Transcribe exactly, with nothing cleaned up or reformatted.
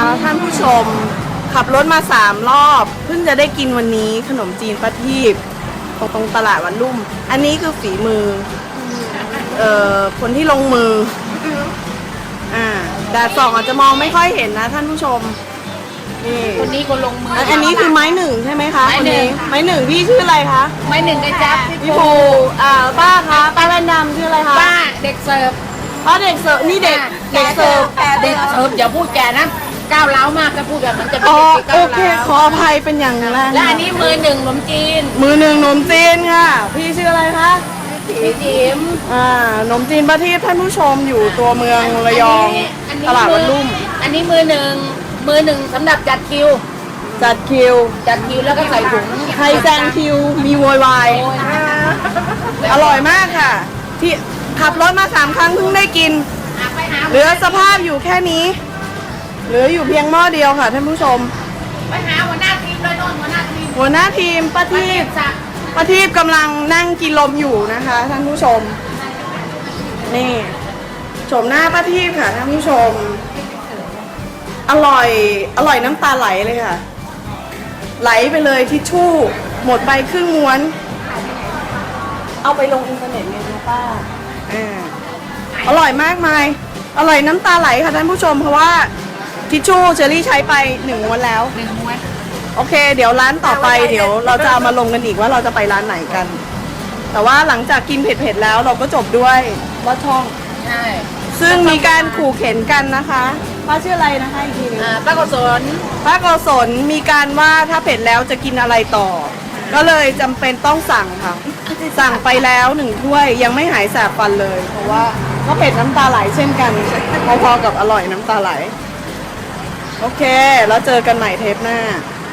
ท่านผู้ชมขับรถมาสามรอบเพิ่งจะได้กินวันนี้ขนมจีนป้าทีบตรงตรงตลาดวันลุ่มอันนี้คือฝีมือเอ่อคนที่ลงมืออ่าแดดส่องอาจจะมองไม่ค่อยเห็นนะท่านผู้ชมนี่คนนี้คนลงมืออันอันนี้คือไม้หนึ่งใช่ไหมคะไม้หนึ่งคไม้หนึ่งพี่ชื่ออะไรคะไม่หนึ่งกระจับพี่ภูอ่าป้าคะป้าแว่นดำชื่ออะไรคะป้าเด็กเสิร์ฟป้าเด็กเสิร์ฟนี่เด็กเด็กเสิร์ฟเด็กเสิร์ฟอย่าพูดแกนะก้าวเล้ามากถ้าพูดแบบมันจะเป็นอ๋อเด็กที่โอก้าวเคเล้าขออภัยเป็นอย่างแรงและอันนี้มือหนึ่งขนมจีนมือหนึ่งหนมจีนค่ะ พี่ชื่ออะไรคะพี่จิ๋มอ่าขนมจีนป้าทีบท่านผู้ชมอยู่ตัวเมืองระยองอันนี้ตลาดวันลุ่มอันนี้มือหนึ่งมือหนึ่งสำหรับจัดคิวจัดคิวจัดคิวแล้วก็ใส่ถุงใครแซงคิวมีโวยวายโอ้ยอร่อยมากค่ะ ที่ขับรถมาสามครั้งเพิ่งได้กินหาไปหาเหลือสภาพอยู่แค่นี้ เหลืออยู่เพียงหม้อเดียวค่ะท่านผู้ชมไปหาหัวหน้าทีมเลยโน่นหัวหน้าทีมหัวหน้าทีมป้าทีบสักป้าทีบกำลังนั่งกินลมอยู่นะคะท่านผู้ชม นี่ชมหน้าป้าทีบค่ะท่านผู้ชม อร่อย อร่อยน้ำตาไหลเลยค่ะ ไหลไปเลยทิชชู่ หมดไปครึ่งม้วน เอาไปลงอินเทอร์เน็ตเลยนะป้าอ่าอร่อยมากมาย อร่อยน้ำตาไหลค่ะท่านผู้ชม เพราะว่าทิชชู่เชอรี่ใช้ไปหนึ่งม้วนแล้วหนึ่งม้วนโอเค เดี๋ยวร้านต่อไปเดี๋ยวเราจะเอามาลงกันอีกว่าเราจะไปร้านไหนกัน แต่ว่าหลังจากกินเผ็ดๆแล้วเราก็จบด้วยว่าช่องใช่ซึ่งมีการขู่เข็นกันนะคะป้าชื่ออะไรนะคะอีกทีหนึงอ่าป้ากุศลป้าโกศลมีการว่าถ้าเผ็ดแล้วจะกินอะไรต่อ ก็เลยจำเป็นต้องสั่งค่ะ สั่งไปแล้วหนึ่งถ้วยยังไม่หายแสบฟันเลย เพราะว่าก็เผ็ดน้ำตาไหลเช่นกันพอๆกับอร่อยน้ำตาไหล โอเค แล้วเจอกันใหม่เทปหน้า